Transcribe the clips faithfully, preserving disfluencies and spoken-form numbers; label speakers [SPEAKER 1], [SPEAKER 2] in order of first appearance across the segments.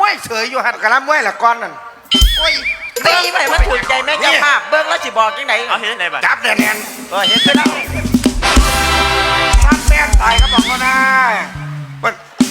[SPEAKER 1] วยเฉยอยู่หัน
[SPEAKER 2] กระลำมวยละก้อนนั่น
[SPEAKER 1] โอ้ย
[SPEAKER 3] ตีไปมันถูกใจแม่เจ้าภาพเบิ้งแล้วสิบอกยังไง
[SPEAKER 4] เอาเห็นไหนบ้าง
[SPEAKER 2] จับแน่น
[SPEAKER 3] เออเห็นไปแล้ว
[SPEAKER 2] ๆซัดแม่ตายก็บอกเขานะมัน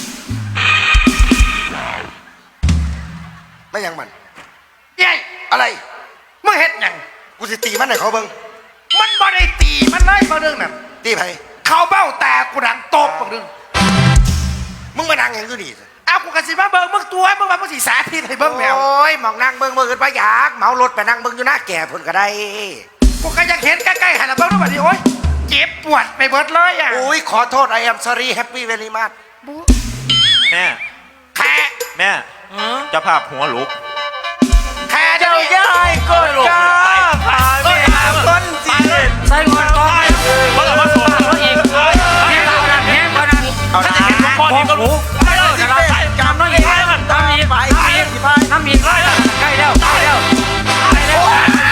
[SPEAKER 2] ไม่ยังมัน
[SPEAKER 1] ยัย
[SPEAKER 2] อะไร
[SPEAKER 1] มึงเฮ็ดหยัง
[SPEAKER 2] กูสิตีมันให้เขาเบิ่ง
[SPEAKER 1] มันบ่ได้ตีมันเลยบางเรื่องนั่น
[SPEAKER 2] ตีไผ
[SPEAKER 1] เขาเบ้าแต่กูดังตบบางเรื่อง
[SPEAKER 2] มึงมานั่งอย่างกูดี
[SPEAKER 1] เอากูกระสิมาเบิ่งมึงตัวมึงมามึงสีสาธิตให้เบิ่งแมว
[SPEAKER 2] โอ้ยมองนั่งเบิ่งเบิ่งกันไปอยากเหมารถไปนั่งเบิ่งอยู่หน้าแก่พุ่นก็ได้
[SPEAKER 1] กูก็ยังเห็นใกล้ๆหันมาเบิ่งด้วยบัดนี้โอ๊ยเจ็บปวดไปเบิดเลยอ่ะ
[SPEAKER 2] อุ้ยขอโทษ I am sorry happy very much
[SPEAKER 4] แม่
[SPEAKER 1] แค่
[SPEAKER 4] แม่เจ้าภาพหัวลุก
[SPEAKER 1] แค่
[SPEAKER 3] เจ้า
[SPEAKER 1] เจ้า
[SPEAKER 3] ย่ายก็จ้าพาไม่หาคนจีนใส่หัวก้อย
[SPEAKER 4] เพราะว่าสวน
[SPEAKER 3] เขาอีกแห้งเขานั่นแห้งเขานั่น
[SPEAKER 4] ถ้าจะเห็นพ่อนี่ก็รู้
[SPEAKER 3] ไม่เลิกจะรับจำน้องอีกน้ำอีกน้ำอีกน้ำอีกใกล้แล้วใกล้แล้วใกล้แล้ว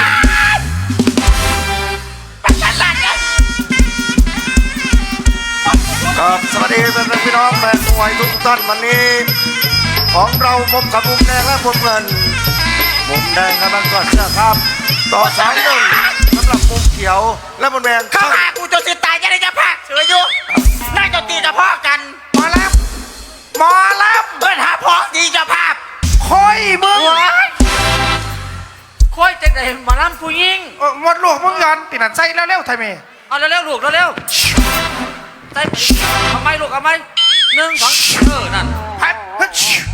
[SPEAKER 2] ครับสวัสดีพี่น้องแฟนมวยทุกท่านวันนี้ของเราพบกับมุมแดงและมุมเงินมุมแดงกำลังกอดเสื้อครับต่อสามหนึ่งสำหรับมุมเขียวและมุมแดง
[SPEAKER 3] เข้าหากูจนสิตายจะได้จะพักเสืออยู่น่าจะตีจะพ่อกัน
[SPEAKER 1] หมอแล้วหมอแล้ว
[SPEAKER 3] เพื่อนหาพ่อดีจะภาพ
[SPEAKER 1] คอยมึง
[SPEAKER 3] ค่อยจะได้มาล้ำผู้ยิง
[SPEAKER 1] หมดลูกมึงย้อนติดหนันใส่แล้วเร็วไทยเมย์
[SPEAKER 3] เอาเร็วๆลูกเร็วๆใส่ทำไมลูกทำไมหนึ่งสองเออนั่น
[SPEAKER 1] พัดพัด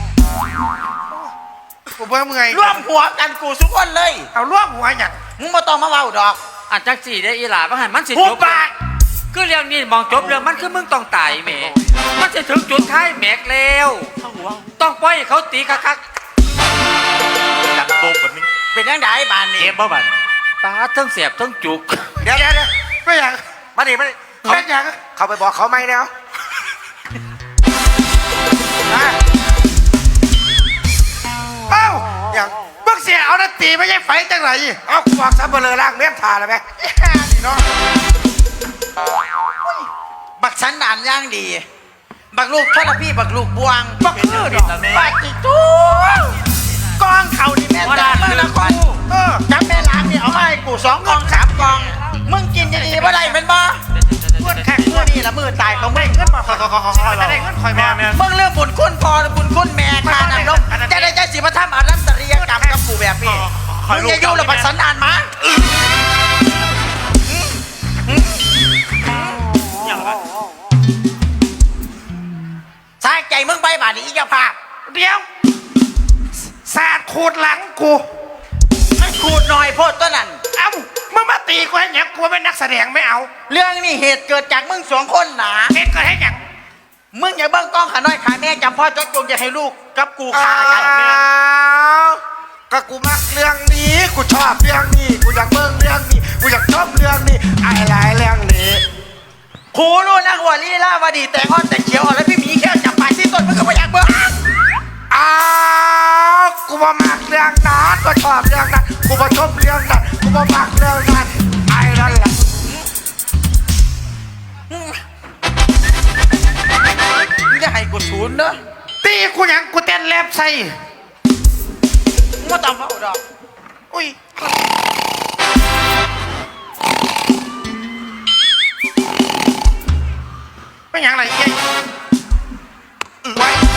[SPEAKER 1] กูเบื่อมึงไง
[SPEAKER 3] ร่วมหัวกันกูทุกคนเลย
[SPEAKER 1] เอาร่วมหัวหยัด
[SPEAKER 3] มึงมาต้องมาเว้าดอกอันจักสี่ได้อีหลาบ้างหันมันสิจบปากคือเรื่องนี้มองจบเรื่องมันคือมึงต้องตายแม่มันจะถึงจุดท้ายแม็กแล้วต้องปล่อยเขาตีคัก
[SPEAKER 4] ๆดังโตแบบนี้
[SPEAKER 3] เป็นยังไงบ้านนี้
[SPEAKER 4] เก็บบ่บ้าน
[SPEAKER 3] ตาทั้งเสียบทั้งจุก
[SPEAKER 2] เดี๋ยวเดี๋ยว
[SPEAKER 1] ไม่อยาก
[SPEAKER 2] มาดิมาดิ
[SPEAKER 1] เขาอยาก
[SPEAKER 2] เขาไปบอกเขาไม่แล้ว
[SPEAKER 1] เอ้าอย่างมึงเสียเอาหน้าตีไม่ใช่ไฟจังไร
[SPEAKER 2] เอาขวากซับเบลอล่างเลี้ยงทาเลยไหม
[SPEAKER 1] นี่เนาะ
[SPEAKER 3] บักสันดานย่างดีบักลูกทอดพี่บักลูกบวง
[SPEAKER 1] บักคือดอก
[SPEAKER 3] บักจิจูกองเขานี่แม่จ้าเมื่อละคนจับแม่ล้างนี่เอามาให้กูสองกองสามกองมึงกินจะดีบ่ได้เป็นบ่
[SPEAKER 1] เพื่อนแข่งเพื่อน
[SPEAKER 3] นี่ละมือตายของมึง
[SPEAKER 1] เงินมาคอยคอยคอยคอยได้เงินคอยมา
[SPEAKER 3] มึงเรื่องบุญคุณพอบุญคุณแม่ทานน้ำนมจะได้ใจสิมาทำอารัมตรียกรรมกับกูแบบนี้มึงอย่ายุ่งระบัดสันดานมาสร้างใจมึงไปบ้านนี้อีกภาพ
[SPEAKER 1] เดี๋ยวสาดขูดหลังกู
[SPEAKER 3] มันขูดหน่อยโพดต้นนั่น
[SPEAKER 1] เอ้ามึงมาตีกูให้หยังกูเป็นนักแสดงไม่เอา
[SPEAKER 3] เรื่องนี้เหตุเกิดจากมึงสองคนหนา
[SPEAKER 1] เหตุเกิดให้หยัง
[SPEAKER 3] มึงอย่าเบิ้งกล้องขาน้อยขาแม่จำพ่อจดจงจะให้ลูกกับกูขากันแม่
[SPEAKER 2] ก็กูมักเรื่องนี้กูชอบเรื่องนี้กูอยากเบิ้งเรื่องนี้กูอยากชอบเรื่องนี้อะไรเรื่องนี้
[SPEAKER 3] ครูรู้นักหัวลีลาวดีแต่งอ่อนแต่เขียวอ่อนแล้วพี่หมีแค่จับปลายที่ต้นมึงก็ไม่อยากเบิ้ง
[SPEAKER 2] อ้าวกูมามักเรื่องนั้นกูชอบเรื่องนั้นกูมาชอบเรื่องนั้นกูมามักเรื่องนั้นไอ้นั่นแหละ
[SPEAKER 3] มึงจะให้กูศูนย์เนอะ
[SPEAKER 1] ตีกูยังกูเต้นแลบใส่
[SPEAKER 3] มึงมาต้องเฝ้าดอก
[SPEAKER 1] อุ้ยไม่ยังไรเย้ไว้